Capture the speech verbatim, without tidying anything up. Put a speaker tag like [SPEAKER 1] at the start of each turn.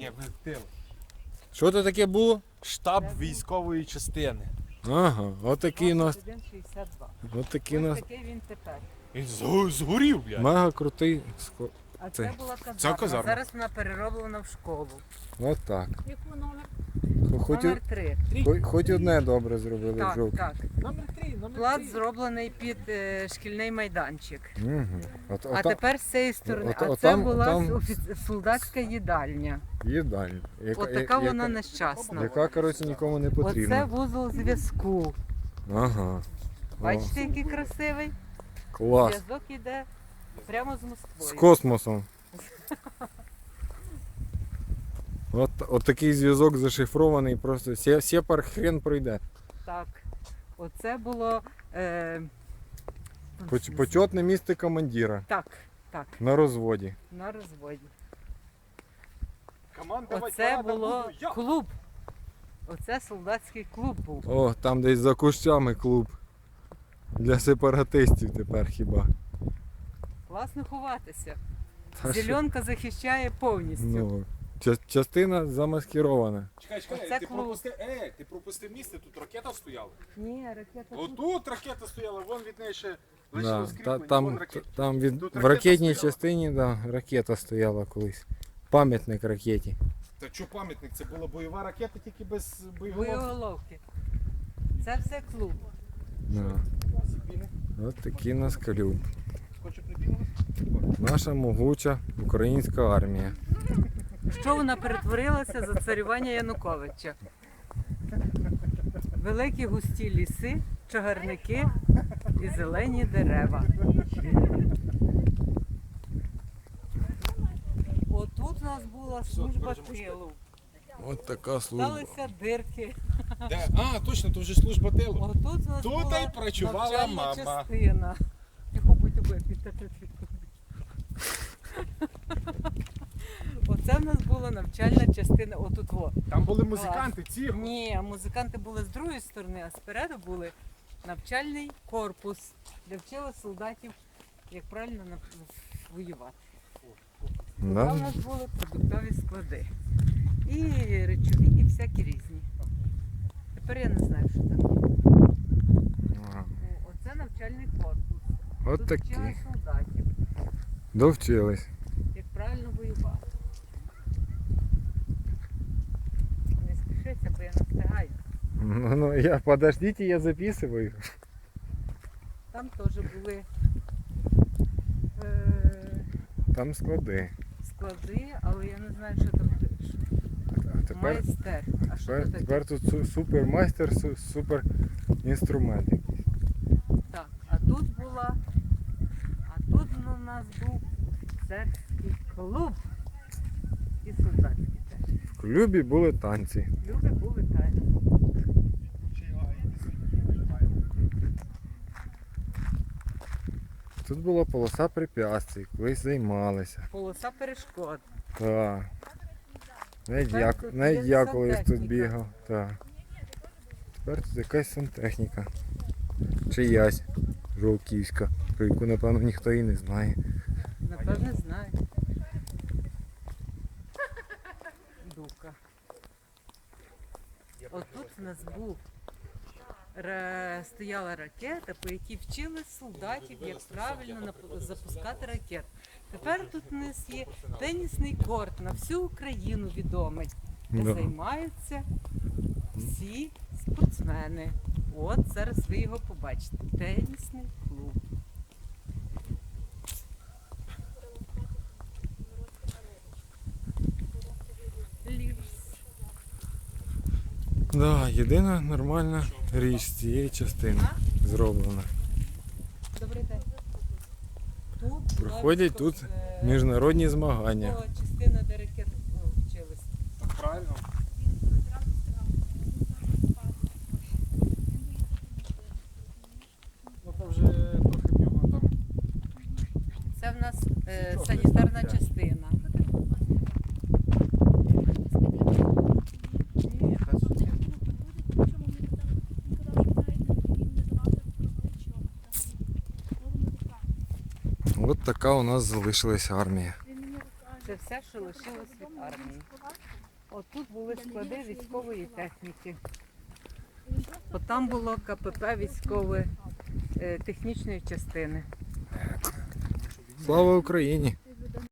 [SPEAKER 1] Ні, ви тил.
[SPEAKER 2] Що це таке було?
[SPEAKER 1] Штаб військової частини.
[SPEAKER 2] Ага, отакий у нас.
[SPEAKER 3] двадцять один шістдесят два.
[SPEAKER 2] Отакий у
[SPEAKER 3] Ось
[SPEAKER 2] нас
[SPEAKER 3] такий він тепер.
[SPEAKER 1] Він згу- згорів, блядь.
[SPEAKER 2] мега крутий склад.
[SPEAKER 3] А
[SPEAKER 2] Це-
[SPEAKER 3] це була казарма.
[SPEAKER 1] це казарма.
[SPEAKER 3] Зараз вона перероблена в школу.
[SPEAKER 2] Отак.
[SPEAKER 4] Яку номер?
[SPEAKER 2] Хоч,
[SPEAKER 3] Номер три.
[SPEAKER 2] хоч, хоч одне добре зробили в
[SPEAKER 3] Так,
[SPEAKER 2] жовтні.
[SPEAKER 3] так.
[SPEAKER 1] Номер три, номер
[SPEAKER 3] Плац
[SPEAKER 1] три.
[SPEAKER 3] зроблений під е, шкільний майданчик.
[SPEAKER 2] Угу. От,
[SPEAKER 3] А
[SPEAKER 2] ота-
[SPEAKER 3] тепер з цієї сторони.
[SPEAKER 2] от-
[SPEAKER 3] а
[SPEAKER 2] от
[SPEAKER 3] це
[SPEAKER 2] там-
[SPEAKER 3] була
[SPEAKER 2] там-
[SPEAKER 3] офі- солдатська їдальня.
[SPEAKER 2] їдальня. Яка,
[SPEAKER 3] От така
[SPEAKER 2] я-
[SPEAKER 3] вона
[SPEAKER 2] яка,
[SPEAKER 3] нещасна.
[SPEAKER 2] яка, коротше, нікому не
[SPEAKER 3] Оце
[SPEAKER 2] потрібна.
[SPEAKER 3] вузол зв'язку.
[SPEAKER 2] Ага.
[SPEAKER 3] Бачите, який красивий?
[SPEAKER 2] О, клас.
[SPEAKER 3] Зв'язок іде прямо з
[SPEAKER 2] З
[SPEAKER 3] Москвою.
[SPEAKER 2] космосом. От, от такий зв'язок зашифрований, просто сє- сепар хрен пройде.
[SPEAKER 3] Так. Оце було. Е...
[SPEAKER 2] Поч- Почетне місце командира
[SPEAKER 3] Так, так,
[SPEAKER 2] на розводі.
[SPEAKER 3] на розводі.
[SPEAKER 1] Командувати
[SPEAKER 3] Оце
[SPEAKER 1] парадом
[SPEAKER 3] було
[SPEAKER 1] буду я.
[SPEAKER 3] клуб. Оце солдатський клуб був.
[SPEAKER 2] О, там десь за кущами клуб. Для сепаратистів тепер хіба.
[SPEAKER 3] Класно ховатися.
[SPEAKER 2] Та що?
[SPEAKER 3] Зеленка захищає повністю.
[SPEAKER 2] Ну, ча- частина замаскирована.
[SPEAKER 1] Чекай, чекай,
[SPEAKER 3] Оце
[SPEAKER 1] ти
[SPEAKER 3] клуб.
[SPEAKER 1] пропустив, е, ти пропустив місце, тут ракета стояла.
[SPEAKER 3] Ні, ракета. тут.
[SPEAKER 1] Отут ракета стояла, вон від неї ще
[SPEAKER 2] Да,
[SPEAKER 1] лишилось
[SPEAKER 2] та,
[SPEAKER 1] кріплення, вон
[SPEAKER 2] там,
[SPEAKER 1] ракета.
[SPEAKER 2] там від,
[SPEAKER 1] Тут
[SPEAKER 2] в
[SPEAKER 1] ракета
[SPEAKER 2] ракетній
[SPEAKER 1] стояла.
[SPEAKER 2] частині да, ракета стояла колись. Пам'ятник ракеті.
[SPEAKER 1] Та що пам'ятник, це була бойова ракета, тільки без боєголовки.
[SPEAKER 3] Боєголовки. Це все клуб.
[SPEAKER 2] Да.
[SPEAKER 1] Зіпіни.
[SPEAKER 2] От такий у нас клуб.
[SPEAKER 1] Хоче припінувати?
[SPEAKER 2] Наша могуча українська армія.
[SPEAKER 3] Що вона перетворилася за царювання Януковича? Великі густі ліси, чагарники і зелені дерева. Отут у нас була служба тилу.
[SPEAKER 2] От така служба.
[SPEAKER 3] Сталися дирки.
[SPEAKER 1] Де? А, точно, то вже служба тилу.
[SPEAKER 3] Отут у нас
[SPEAKER 1] Тут
[SPEAKER 3] була
[SPEAKER 1] і працювала
[SPEAKER 3] навчальна
[SPEAKER 1] мама.
[SPEAKER 3] частина. Тихо, будь обе, Оце в нас була навчальна частина. Отут во.
[SPEAKER 1] Там були музиканти, ці.
[SPEAKER 3] Ні, музиканти були з другої сторони, а спереду були навчальний корпус, де вчили солдатів, як правильно нав- воювати. Там у
[SPEAKER 2] Да?
[SPEAKER 3] нас були продуктові склади. І речові, і всякі різні. Тепер я не знаю, що там є.
[SPEAKER 2] Ага.
[SPEAKER 3] О, Оце навчальний корпус.
[SPEAKER 2] От
[SPEAKER 3] Тут
[SPEAKER 2] такі.
[SPEAKER 3] вчили солдатів,
[SPEAKER 2] Довчились.
[SPEAKER 3] як правильно воювати. Не спішиться, бо я не встигаю.
[SPEAKER 2] Ну, ну я подождите, я записываю.
[SPEAKER 3] Там теж були е,
[SPEAKER 2] Там склади.
[SPEAKER 3] склади, але я не знаю, що там що-
[SPEAKER 2] А тепер,
[SPEAKER 3] майстер. А що
[SPEAKER 2] тепер,
[SPEAKER 3] це таке?
[SPEAKER 2] тепер тут су- супермайстер, су- супер інструмент якийсь.
[SPEAKER 3] Так, а тут була, а тут у нас був офіцерський клуб і солдатський теж.
[SPEAKER 2] В клубі були танці.
[SPEAKER 3] Люди були тайні.
[SPEAKER 2] Тут була полоса препятствий, колись займалися.
[SPEAKER 3] Полоса перешкод.
[SPEAKER 2] Так. Навіть
[SPEAKER 3] Тепер
[SPEAKER 2] я,
[SPEAKER 3] тут
[SPEAKER 2] навіть
[SPEAKER 3] є
[SPEAKER 2] я колись тут
[SPEAKER 3] сантехніка.
[SPEAKER 2] бігав. Так. Тепер тут якась сантехніка. Чиясь жовківська, про яку напевно ніхто і не знає.
[SPEAKER 3] Напевне, знаю. Дука. Отут в нас був ра- стояла ракета, по якій вчили солдатів, як правильно нап- запускати ракет. Тепер тут у нас є тенісний корт на всю Україну відомий, де
[SPEAKER 2] Да.
[SPEAKER 3] займаються всі спортсмени. От зараз ви його побачите. Тенісний клуб. Ліпс.
[SPEAKER 2] Да, єдина нормальна річ з цієї частини зроблена.
[SPEAKER 3] Добрий день. Тут
[SPEAKER 2] Проходять
[SPEAKER 3] була
[SPEAKER 2] тут
[SPEAKER 3] військова- е,
[SPEAKER 2] міжнародні змагання.
[SPEAKER 3] була частина, де ракети ну, вчились.
[SPEAKER 1] Правильно. Ну то вже трохи в нього там.
[SPEAKER 3] Це в нас е,
[SPEAKER 1] Нічого,
[SPEAKER 3] санітарна
[SPEAKER 1] не
[SPEAKER 3] частина.
[SPEAKER 1] Ні, та тут ні.
[SPEAKER 2] От така у нас залишилась армія.
[SPEAKER 3] Це все, що лишилось від армії. Отут були склади військової техніки. От там було КПП військової е, технічної частини.
[SPEAKER 2] Слава Україні!